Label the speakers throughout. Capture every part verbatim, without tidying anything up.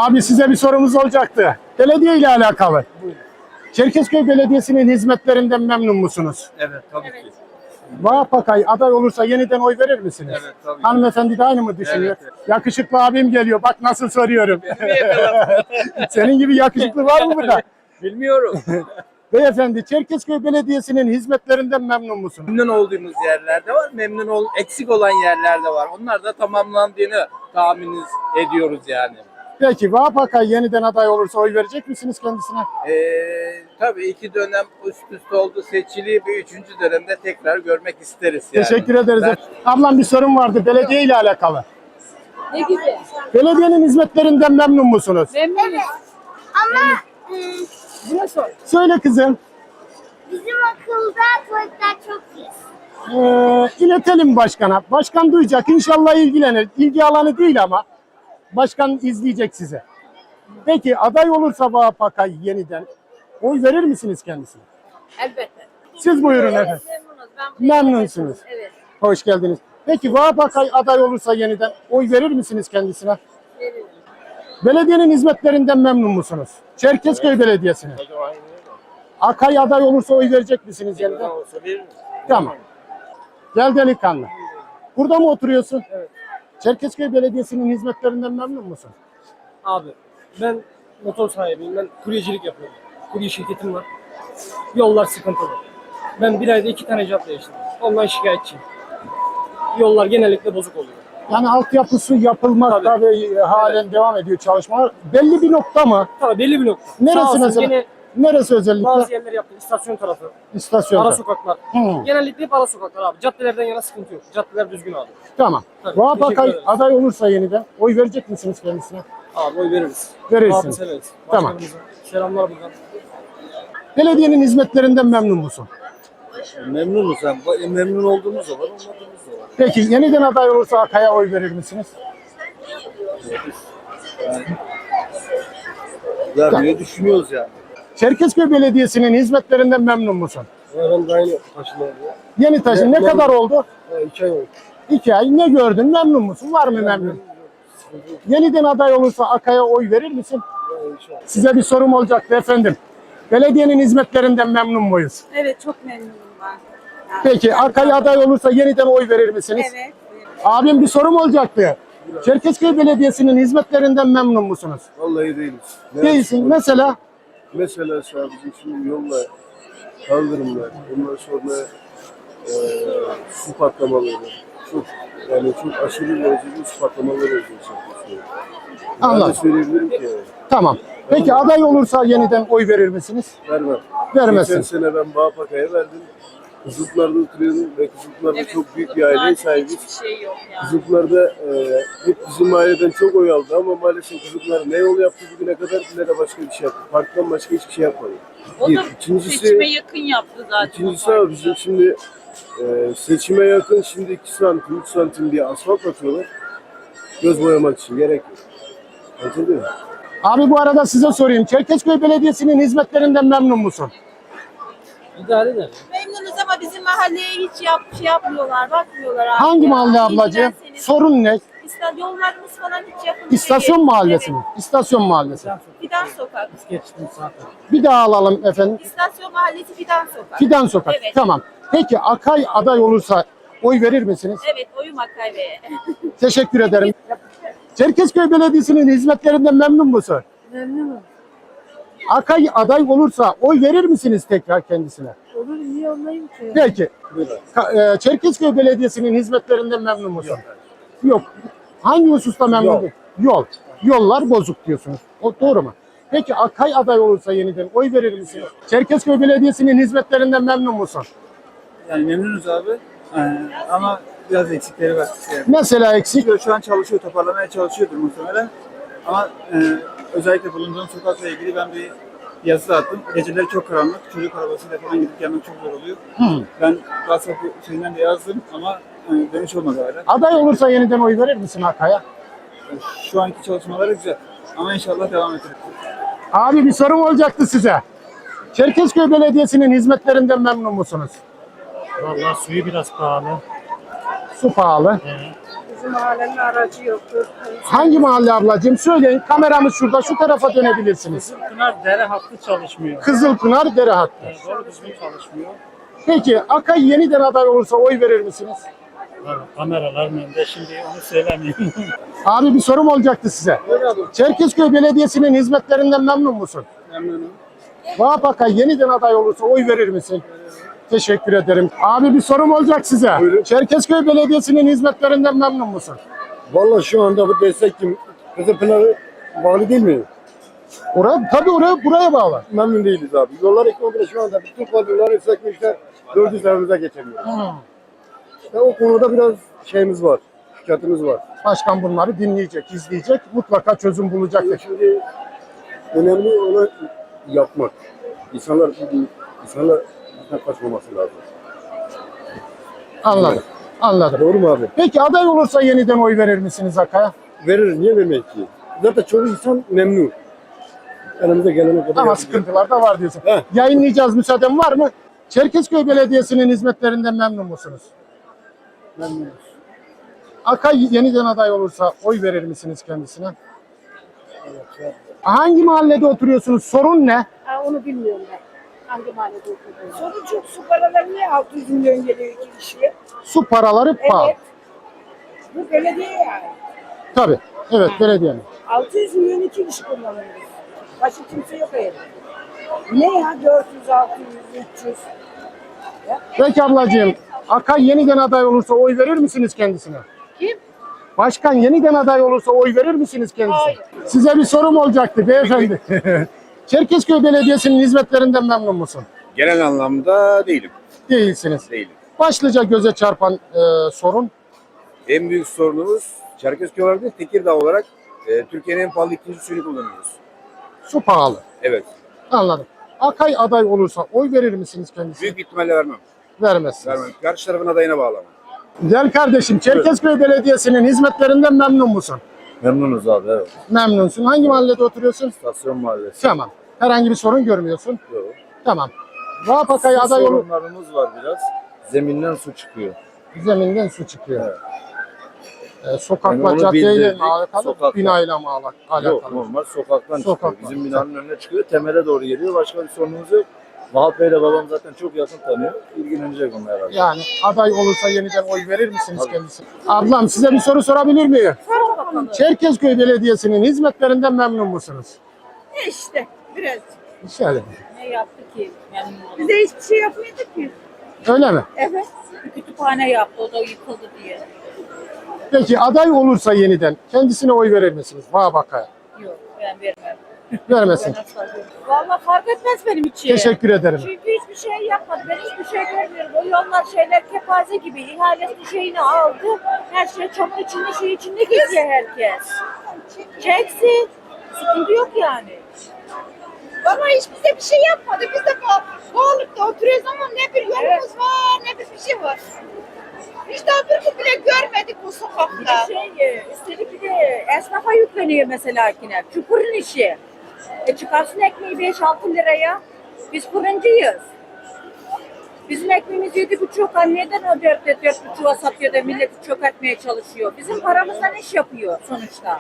Speaker 1: Abi size bir sorumuz olacaktı. Belediye ile alakalı.
Speaker 2: Buyurun.
Speaker 1: Çerkezköy Belediyesi'nin hizmetlerinden memnun musunuz?
Speaker 2: Evet tabii
Speaker 3: Evet.
Speaker 2: ki.
Speaker 1: Vahap Akay aday olursa yeniden oy verir misiniz?
Speaker 2: Evet tabii ki.
Speaker 1: Hanımefendi de aynı mı düşünüyor?
Speaker 2: Evet, evet.
Speaker 1: Yakışıklı abim geliyor. Bak nasıl soruyorum.
Speaker 2: Beni mi yakaladın?
Speaker 1: Senin gibi yakışıklı var mı burada?
Speaker 2: Bilmiyorum.
Speaker 1: Beyefendi, Çerkezköy Belediyesi'nin hizmetlerinden memnun musunuz?
Speaker 2: Memnun olduğumuz yerlerde var, memnun ol, eksik olan yerlerde var. Onlar da tamamlandığını tahmin ediyoruz yani.
Speaker 1: Peki Vahap Akay yeniden aday olursa oy verecek misiniz kendisine?
Speaker 2: Ee, tabii iki dönem üst üste oldu seçili, bir üçüncü dönemde tekrar görmek isteriz yani.
Speaker 1: Teşekkür ederiz.
Speaker 2: Ben-
Speaker 1: Ablam bir sorum vardı belediye ile alakalı.
Speaker 3: Ne gibi?
Speaker 1: Belediyenin hizmetlerinden memnun musunuz?
Speaker 3: Memnunuz.
Speaker 4: Ama e,
Speaker 3: Buna sor.
Speaker 1: Söyle kızım.
Speaker 4: bizim okulda tuvaletler çok iyi.
Speaker 1: Ee, iletelim başkana. Başkan duyacak. İnşallah ilgilenir. İlgi alanı değil ama. Başkan izleyecek size. Peki aday olursa Vahap Akay yeniden oy verir misiniz kendisine?
Speaker 3: Elbette.
Speaker 1: Siz buyurun efendim.
Speaker 3: Memnunuz. Ben
Speaker 1: Memnunsunuz.
Speaker 3: Evet.
Speaker 1: Hoş geldiniz. Peki Vahap Akay aday olursa yeniden oy verir misiniz kendisine?
Speaker 3: Veririm.
Speaker 1: Belediyenin hizmetlerinden memnun musunuz? Çerkezköy Belediyesi'nin. Akay aday olursa oy verecek misiniz yeniden? Tamam. Gel delikanlı. Burada mı oturuyorsun?
Speaker 5: Evet.
Speaker 1: Çerkezköy Belediyesi'nin hizmetlerinden memnun musun?
Speaker 5: Abi ben motor sahibiyim. Ben kuryecilik yapıyorum. Kurye şirketim var. Yollar sıkıntılı. Ben bir ayda iki tane job değiştirdim. Ondan şikayetçiyim. Yollar genellikle bozuk oluyor.
Speaker 1: Yani altyapısı yapılmakta
Speaker 5: Tabii.
Speaker 1: ve halen devam ediyor çalışmalar. Belli bir nokta mı?
Speaker 5: Tabii belli bir nokta.
Speaker 1: Neresi
Speaker 5: Sağ olsun
Speaker 1: mesela?
Speaker 5: Gene
Speaker 1: Neresi özellikle?
Speaker 5: bazı yerler yaptı. İstasyon tarafı, ara
Speaker 1: İstasyonda.
Speaker 5: sokaklar.
Speaker 1: Hı.
Speaker 5: Genellikle hep ara sokaklar abi. Caddelerden yana sıkıntı yok. Caddeler düzgün abi.
Speaker 1: Tamam.
Speaker 5: Tabii,
Speaker 1: Vahap
Speaker 5: teşekkür
Speaker 1: Akay
Speaker 5: ederiz.
Speaker 1: aday olursa yeniden oy verecek misiniz kendisine?
Speaker 5: Abi oy veririz.
Speaker 1: Verirsiniz.
Speaker 5: Abi severiz.
Speaker 1: Tamam.
Speaker 5: Başkanımıza selamlar buradan.
Speaker 1: Belediyenin hizmetlerinden memnun musun?
Speaker 2: Memnunuz. Yani. Memnun olduğumuz da var, olmadığımız da var.
Speaker 1: Peki yeniden aday olursa Akay'a oy verir misiniz?
Speaker 2: Vermeyi düşünüyoruz yani.
Speaker 1: Çerkezköy Belediyesi'nin hizmetlerinden memnun musun?
Speaker 5: Ben de aynı taşınıyorum.
Speaker 1: Yeni taşın ne
Speaker 5: Memnun.
Speaker 1: kadar oldu?
Speaker 5: İki ay oldu.
Speaker 1: İki ay. Ne gördün? Memnun musun? Var mı memnun? Yeniden aday olursa Akay'a oy verir misin? Size bir sorum olacaktı efendim. Belediyenin hizmetlerinden memnun muyuz?
Speaker 3: Evet, çok memnunum ben. Yani
Speaker 1: Peki Akay aday olursa yeniden oy verir misiniz?
Speaker 3: Evet.
Speaker 1: Abim bir sorum olacaktı. Çerkezköy Belediyesi'nin hizmetlerinden memnun musunuz?
Speaker 6: Vallahi değiliz. Ne
Speaker 1: Değilsin.
Speaker 6: yapalım?
Speaker 1: Mesela
Speaker 6: Mesela şu an bizim şimdi yolla kaldırımlar, ondan sonra e, su patlamaları, çok yani çok aşırı derecede su patlamaları oluyor. Ben de
Speaker 1: anladım.
Speaker 6: söyleyebilirim ki yani,
Speaker 1: Tamam. Peki aday olursa yeniden oy verir misiniz?
Speaker 6: vermem.
Speaker 1: Vermezsin.
Speaker 6: Geçen sene ben Bağpaka'ya verdim. Kızılpınar'da oturuyordum ve Kızılpınar'da
Speaker 3: Evet.
Speaker 6: çok büyük bir aileye sahibiz.
Speaker 3: Hiçbir şey yok yani.
Speaker 6: Kızılpınar'da e, hep bizim aileden çok oy aldı ama maalesef Kızılpınar ne yol yaptı bugüne kadar ne de başka bir şey yaptı. Parktan başka hiçbir şey yapmadı.
Speaker 3: O
Speaker 6: Bir.
Speaker 3: da
Speaker 6: İkincisi,
Speaker 3: seçime yakın yaptı zaten.
Speaker 6: İkincisi abi bizim şimdi e, seçime yakın şimdi iki santim, üç santim diye asfalt atıyorlar. Göz boyamak için gerek yok. Anladın mı?
Speaker 1: Abi bu arada size sorayım. Çerkezköy Belediyesi'nin hizmetlerinden memnun musun?
Speaker 5: İdare eder.
Speaker 3: Memnunuz ama bizim mahalleye hiç yap, şey yapmıyorlar, bakmıyorlar abi.
Speaker 1: Hangi
Speaker 3: ya.
Speaker 1: mahalle ablacığım?
Speaker 3: İlgilenseniz.
Speaker 1: Sorun ne?
Speaker 3: İsta- Yollarımız falan hiç yakın
Speaker 1: İstasyon
Speaker 3: değil.
Speaker 1: mahallesi mi?
Speaker 3: Evet.
Speaker 1: İstasyon mahallesi.
Speaker 3: Fidan Sokak.
Speaker 5: Geçtim zaten.
Speaker 1: Bir daha alalım efendim.
Speaker 3: İstasyon mahallesi Fidan Sokak.
Speaker 1: Fidan Sokak.
Speaker 3: Evet.
Speaker 1: Tamam. Peki Akay aday olursa oy verir misiniz?
Speaker 3: Evet, oyum Akay Bey'e.
Speaker 1: Teşekkür ederim. Çerkezköy Belediyesi'nin hizmetlerinden memnun musun?
Speaker 3: Memnunum.
Speaker 1: Akay aday olursa oy verir misiniz tekrar kendisine?
Speaker 3: Olur, niye olmayayım ki?
Speaker 1: Peki. Ka- e, Çerkezköy Belediyesi'nin hizmetlerinden memnun musun? Yok. Hangi hususta memnun
Speaker 6: Yol.
Speaker 1: değil? Yol. Yollar bozuk diyorsunuz. O doğru mu? Peki Akay aday olursa yeniden oy verir misiniz? Çerkezköy Belediyesi'nin hizmetlerinden memnun musun?
Speaker 7: Yani memnunuz abi. Ee, ama biraz eksikleri var. Yani.
Speaker 1: Mesela eksik.
Speaker 7: Şu an çalışıyor, toparlamaya çalışıyordur muhtemelen. Ama e, özellikle bulunduğum sokakla ilgili ben bir yazı attım. Geceleri çok karanlık, çocuk arabasıyla falan gidip gelmek çok zor oluyor.
Speaker 1: Hı.
Speaker 7: Ben WhatsApp şeyinden de yazdım ama e, dönüş olmadı hala.
Speaker 1: Aday olursa yeniden oy verir misin Akay'a?
Speaker 7: Şu anki çalışmaları güzel. Ama inşallah devam edecek.
Speaker 1: Abi bir sorum olacaktı size. Çerkezköy Belediyesi'nin hizmetlerinden memnun musunuz?
Speaker 8: Vallahi suyu biraz pahalı.
Speaker 1: Su pahalı.
Speaker 8: Evet. Bizim mahallenin aracı yoktur.
Speaker 1: Hangi mahalle ablacığım? Söyleyin. Kameramız şurada. Şu tarafa dönebilirsiniz.
Speaker 9: Pınar dere hattı çalışmıyor.
Speaker 1: Kızılpınar dere hattı.
Speaker 9: Yani doğru düzgün çalışmıyor.
Speaker 1: Peki Akay yeniden aday olursa oy verir misiniz?
Speaker 9: Abi, kameraların önünde şimdi onu söylemeyeyim.
Speaker 1: Abi bir sorum olacaktı size. Çerkezköy Belediyesi'nin hizmetlerinden memnun musun?
Speaker 7: Memnunum.
Speaker 1: Vahap Akay yeniden aday olursa oy verir misin? Teşekkür ederim. Abi bir sorum olacak size.
Speaker 6: Buyurun.
Speaker 1: Çerkezköy Belediyesi'nin hizmetlerinden memnun musun?
Speaker 6: Vallahi şu anda bu destek kim? Kızılpınar'a bağlı değil mi?
Speaker 1: Oraya, tabii oraya buraya bağlı.
Speaker 6: Memnun değiliz abi. Yollar ekonomide şu anda bütün kadroları sökmüşler. Dördü seferimize geçemiyor. İşte o konuda biraz şeyimiz var. Şikayetimiz var.
Speaker 1: Başkan bunları dinleyecek, izleyecek. Mutlaka çözüm bulacaktır.
Speaker 6: Şimdi önemli olan yapmak. İnsanlar, insanlar bizden kaçmaması lazım.
Speaker 1: Anladım. Anladım.
Speaker 6: Doğru mu abi?
Speaker 1: Peki aday olursa yeniden oy verir misiniz Akay'a?
Speaker 6: Verir, niye vermek ki? Zaten çoğu insan memnun. Elimize gelene kadar
Speaker 1: Ama
Speaker 6: yapacağız.
Speaker 1: sıkıntılar da var diyorsun.
Speaker 6: Heh.
Speaker 1: Yayınlayacağız, müsaaden var mı? Çerkezköy Belediyesi'nin hizmetlerinden memnun musunuz?
Speaker 7: Memnunuz.
Speaker 1: Akay yeniden aday olursa oy verir misiniz kendisine? Hangi mahallede oturuyorsunuz? Sorun ne?
Speaker 8: Ha, onu bilmiyorum ben. Hangi mahallede oturuyorsun? Sorun çok, su paraları niye altı yüz milyon geliyor iki kişiye?
Speaker 1: Su paraları pahalı.
Speaker 8: Evet. Bu belediye yani.
Speaker 1: Tabii. Evet, belediyenin.
Speaker 8: altı yüz milyon iki kişi kullanıyoruz. Başka kimse yok evde. Ne ya dört yüz, altı yüz, üç yüz.
Speaker 1: Peki ablacığım, Akay yeniden aday olursa oy verir misiniz kendisine?
Speaker 8: Kim?
Speaker 1: Başkan yeniden aday olursa oy verir misiniz kendisine?
Speaker 8: Hayır.
Speaker 1: Size bir sorum olacaktı beyefendi. Çerkezköy Belediyesi'nin hizmetlerinden memnun musun?
Speaker 10: Genel anlamda değilim.
Speaker 1: Değilsiniz.
Speaker 10: Değilim.
Speaker 1: Başlıca göze çarpan e, sorun
Speaker 10: En büyük sorunumuz Çerkezköy olarak değil, Tekirdağ olarak e, Türkiye'nin en pahalı ikinci suyunu kullanıyoruz.
Speaker 1: su pahalı.
Speaker 10: Evet.
Speaker 1: Anladım. Akay aday olursa oy verir misiniz kendisine?
Speaker 10: Büyük ihtimalle vermem.
Speaker 1: Vermezsiniz.
Speaker 10: Vermem. Karşı tarafın adayına bağlamam.
Speaker 1: Gel kardeşim, Çerkezköy Belediyesi'nin hizmetlerinden memnun musun?
Speaker 6: Memnunuz abi, evet.
Speaker 1: Memnunsun. Hangi mahallede oturuyorsun?
Speaker 6: Stasyon mahallesi.
Speaker 1: Tamam. Herhangi bir sorun görmüyorsun.
Speaker 6: Yok.
Speaker 1: Tamam. Vahap Akay aday olur.
Speaker 6: Sorunlarımız var biraz. Zeminden su çıkıyor.
Speaker 1: Zeminden su çıkıyor.
Speaker 6: Evet.
Speaker 1: Ee, sokakla,
Speaker 6: Yani onu
Speaker 1: caddeyle
Speaker 6: bildirdik,
Speaker 1: mi alakalı,
Speaker 6: sokakla.
Speaker 1: binayla mı ala- alakalı?
Speaker 6: Yok, normal sokaktan
Speaker 1: Sokaktan.
Speaker 6: çıkıyor. Bizim binanın önüne çıkıyor, temele doğru geliyor. Başka bir sorunumuz yok. Vahap Bey'le babam zaten çok yakın tanıyor. İlgilenecek onlar herhalde.
Speaker 1: Yani aday olursa yeniden oy verir misiniz
Speaker 6: Tabii.
Speaker 1: kendisine? Ablam size bir soru sorabilir miyim?
Speaker 3: Sor bakalım.
Speaker 1: Çerkezköy Belediyesi'nin hizmetlerinden memnun musunuz?
Speaker 3: İşte biraz.
Speaker 1: Şöyle.
Speaker 3: Ne yaptı ki? Memnun oldum.
Speaker 8: Bize hiçbir şey yapmadı ki.
Speaker 1: Öyle mi?
Speaker 3: Evet. Bir kütüphane yaptı. O da yıkıldı diye.
Speaker 1: Peki aday olursa yeniden kendisine oy verir misiniz? Vahap Akay'a.
Speaker 3: Yok ben vermem.
Speaker 1: Vermesin.
Speaker 3: Vallahi fark etmez benim için.
Speaker 1: Teşekkür ederim.
Speaker 3: Çünkü hiçbir şey yapmadı. Ben hiçbir şey görmüyorum. O yollar şeyler kepaze gibi. İhalesini şeyini aldı. Her şey çamur içinde şey içinde geziyor herkes. Çeksin. Sıkıntı yok yani.
Speaker 8: Baba hiç bize bir şey yapmadı. Biz de Boğuluk'ta oturuyoruz ama ne bir yolumuz var ne bir bir şey var. Hiç daha bir gün bile görmedik bu
Speaker 3: Bir
Speaker 8: sokakta.
Speaker 3: de şey, e, üstelik bir de esnafa yükleniyor mesela yine. Çukurun işi. E çıkarsın ekmeği beş altı liraya. Biz fırıncıyız. Bizim ekmeğimiz yedi buçuk. Neden o dört dört buçuğa satıyor da milleti çökertmeye çalışıyor? Bizim paramızdan iş yapıyor sonuçta.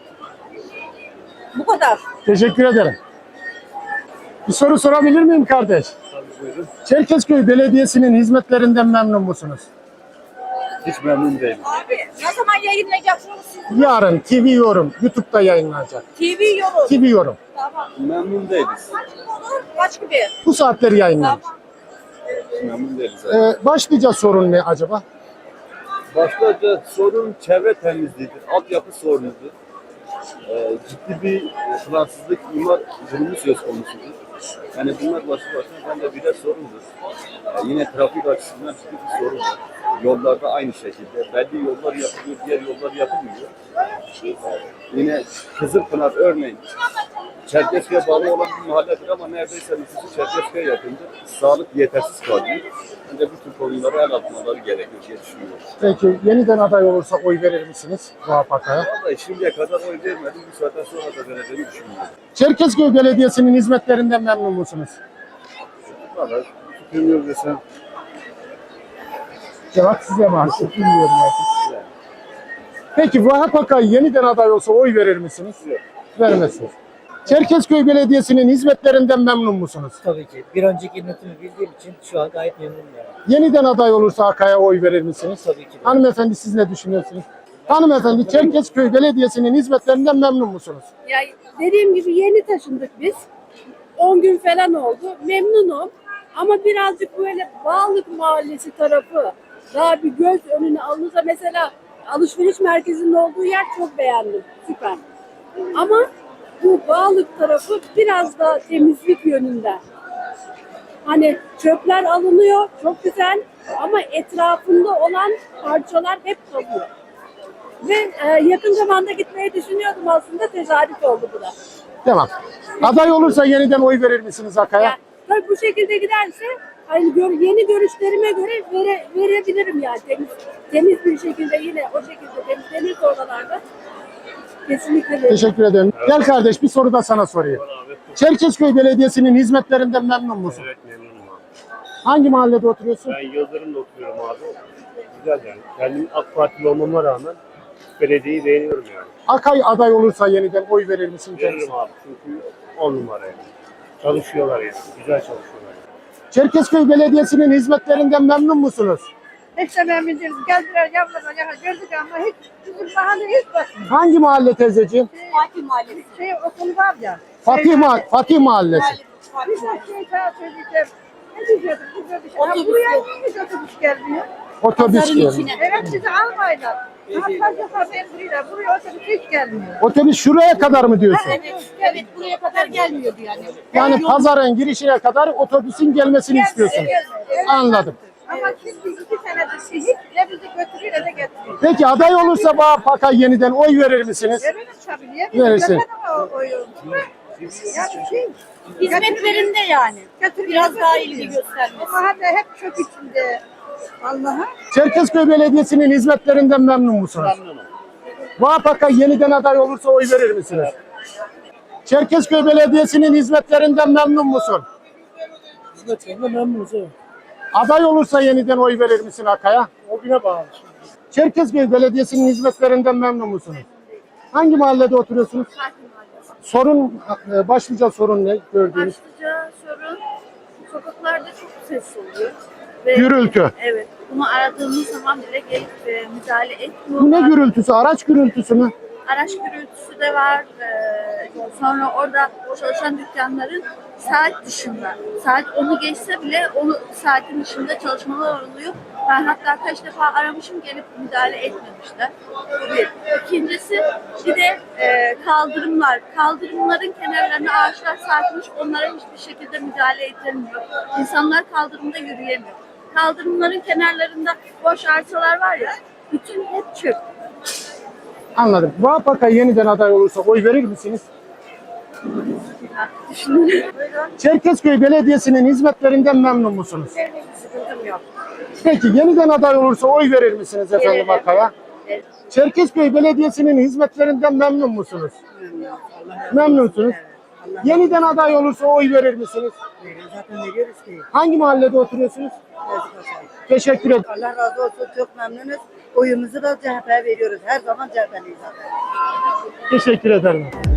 Speaker 3: Bu kadar.
Speaker 1: Teşekkür ederim. Bir soru sorabilir miyim kardeş?
Speaker 6: Tabii buyurun.
Speaker 1: Çerkezköy Belediyesi'nin hizmetlerinden memnun musunuz?
Speaker 6: Hiç memnun değilim.
Speaker 3: Abi ne zaman yayınlayacaksınız siz?
Speaker 1: Yarın T V Yorum YouTube'da yayınlanacak.
Speaker 3: T V yorum.
Speaker 1: T V Yorum.
Speaker 3: Tamam.
Speaker 6: Memnun değiliz.
Speaker 3: Kaç gün olur? Kaç gibi?
Speaker 1: Bu saatleri yayınlanacak.
Speaker 3: Tamam.
Speaker 6: Memnun değiliz.
Speaker 1: Ee, başlıca sorun ne acaba?
Speaker 6: Başlıca sorun çevre temizliğidir. Altyapı sorunudur. Ee, ciddi bir e, plansızlık, imar durumu söz konusudur. Yani bunlar başlı başına bence birer sorundur. Ee, yine trafik açısından ciddi bir sorun var. Yollarda aynı şekilde. Belli yollar yapılıyor, diğer yollar yapılmıyor. Ee, yine Kızılpınar örneğin. Çerkezköy'e bağlı olan bir mahalledir ama neredeyse nüfusu Çerkezköy'e yakındır. Sağlık yetersiz kalıyor. Bence bu tür konulara el atmaları gerekiyor diye düşünüyorum.
Speaker 1: Peki yeniden aday olursa oy verir misiniz Vahap Akay'a?
Speaker 6: Vallahi şimdiye kadar oy vermedim. Bu saatten sonra da vereceğimi düşünüyorum.
Speaker 1: Çerkezköy Belediyesi'nin hizmetlerinden memnun musunuz?
Speaker 6: Vallahi fikrim yok desem.
Speaker 1: Cevap size mahsus. Bilmiyorum artık. Peki Vahap Akay yeniden aday olsa oy verir misiniz? Yok. Vermezsiniz. Çerkezköy Belediyesi'nin hizmetlerinden memnun musunuz?
Speaker 11: Tabii ki. Bir önceki yönetimi bildiğim için şu an gayet memnunum yani.
Speaker 1: Yeniden aday olursa Akay'a oy verir misiniz?
Speaker 11: Tabii ki de.
Speaker 1: Hanımefendi siz ne düşünüyorsunuz? Hanımefendi Çerkezköy Belediyesi'nin hizmetlerinden memnun musunuz?
Speaker 8: Ya dediğim gibi yeni taşındık biz. on gün falan oldu. Memnunum. Ama birazcık böyle Bağlık Mahallesi tarafı daha bir göz önüne alınırsa, mesela alışveriş merkezinin olduğu yer çok beğendim. Süper. Ama bu Bağlık tarafı biraz da temizlik yönünde. Hani çöpler alınıyor, çok güzel, ama etrafında olan parçalar hep kalıyor. Ve e, yakın zamanda gitmeyi düşünüyordum, aslında tesadüf oldu bu da.
Speaker 1: Tamam. Aday olursa yeniden oy verir misiniz Akay'a?
Speaker 8: Yani, tabii bu şekilde giderse hani gör, yeni görüşlerime göre vere, verebilirim yani, temiz, temiz bir şekilde, yine o şekilde temizlenirse oralarda kesinlikle veririm.
Speaker 1: Teşekkür ederim. Gel kardeş bir soru da sana sorayım. Çerkezköy Belediyesi'nin hizmetlerinden memnun musun?
Speaker 12: Evet memnunum abi.
Speaker 1: Hangi mahallede oturuyorsun?
Speaker 12: Ben Yıldırım'da oturuyorum abi. Güzel yani. Kendim AK Partili olmama rağmen belediyeyi beğeniyorum yani.
Speaker 1: Akay aday olursa yeniden oy verir misin?
Speaker 12: Veririm abi çünkü on numara yani. Çalışıyorlar yani. Güzel çalışıyorlar.
Speaker 1: Çerkezköy Belediyesi'nin hizmetlerinden memnun musunuz?
Speaker 8: Hiç de memnun değiliz. Geldiler yanlarına yana gördük ama hiç bizim mahalle hiç bakmıyor.
Speaker 1: Hangi mahalle teyzeciğim?
Speaker 8: Fatih Mahallesi. Şey okul var ya.
Speaker 1: Fatih, Ma Fatih Mahallesi.
Speaker 8: Bir şey daha söyleyeceğim. Ne diyecektim? Otobüs. Buraya niye hiç otobüs gelmiyor?
Speaker 1: Otobüs gelmiyor.
Speaker 8: Evet, sizi almayla. Hatta haber buraya. Buraya otobüs hiç gelmiyor.
Speaker 1: Otobüs şuraya kadar mı diyorsun?
Speaker 8: Evet, evet, buraya kadar gelmiyordu yani.
Speaker 1: Yani pazarın girişine kadar otobüsün gelmesini istiyorsun. Anladım.
Speaker 8: Ama şimdi iki senedir şey hiç ne bizi götürüyor ne de getiriyor.
Speaker 1: Peki aday olursa Vahap Akay yeniden oy verir misiniz?
Speaker 8: Veririz tabii. Niye bizim
Speaker 1: Verirsin.
Speaker 8: götüremem o oyu? Yani şey, hizmetlerinde yani. Biraz daha ilgi göstermesi. Bu mahalle hep çok içinde. Allah'a.
Speaker 1: Çerkezköy Belediyesi'nin hizmetlerinden memnun musunuz?
Speaker 12: Memnunum.
Speaker 1: Vahap Akay yeniden aday olursa oy verir misiniz? Çerkezköy Belediyesi'nin hizmetlerinden memnun musun?
Speaker 5: Hizmetlerinden memnunuz evet.
Speaker 1: Aday olursa yeniden oy verir misin Akay'a?
Speaker 5: O güne bağlı.
Speaker 1: Çerkezköy Belediyesi'nin hizmetlerinden memnun musunuz? Hangi mahallede oturuyorsunuz? Sorun, e, başlıca sorun ne gördüğünüz?
Speaker 3: Başlıca sorun, sokaklarda çok ses oluyor. Ve,
Speaker 1: Gürültü.
Speaker 3: Evet, bunu aradığımız zaman bile gelip e, müdahale etmiyorlar.
Speaker 1: Bu ne gürültüsü? Araç gürültüsü mü?
Speaker 3: Araç gürültüsü de var. Ee, sonra orada çalışan dükkanların saat dışında, saat onu geçse bile onu saatin dışında çalışmalar oluyor. Ben hatta kaç defa aramışım, gelip müdahale etmemişler. Bu bir. İkincisi bir de e, kaldırımlar. Kaldırımların kenarlarına ağaçlar sarkmış, onlara hiçbir şekilde müdahale edilmiyor. İnsanlar kaldırımda yürüyemiyor. Kaldırımların kenarlarında boş arsalar var ya, bütün hep çöp.
Speaker 1: Anladım. Vahap Akay yeniden aday olursa oy verir misiniz? Çerkezköy Belediyesi'nin hizmetlerinden memnun musunuz?
Speaker 3: Sıkıntım yok.
Speaker 1: Peki yeniden aday olursa oy verir misiniz efendim
Speaker 3: Veririm.
Speaker 1: Akay'a?
Speaker 3: Evet.
Speaker 1: Çerkezköy Belediyesi'nin hizmetlerinden memnun musunuz? Memnunsunuz. Yeniden aday olursa oy verir misiniz?
Speaker 11: Zaten veriyoruz ki.
Speaker 1: Hangi mahallede oturuyorsunuz? Teşekkür ederim.
Speaker 11: Allah razı olsun, çok memnunuz. Oyumuzu da C H P'ye veriyoruz. Her zaman C H P'liyiz zaten.
Speaker 1: Teşekkür ederim.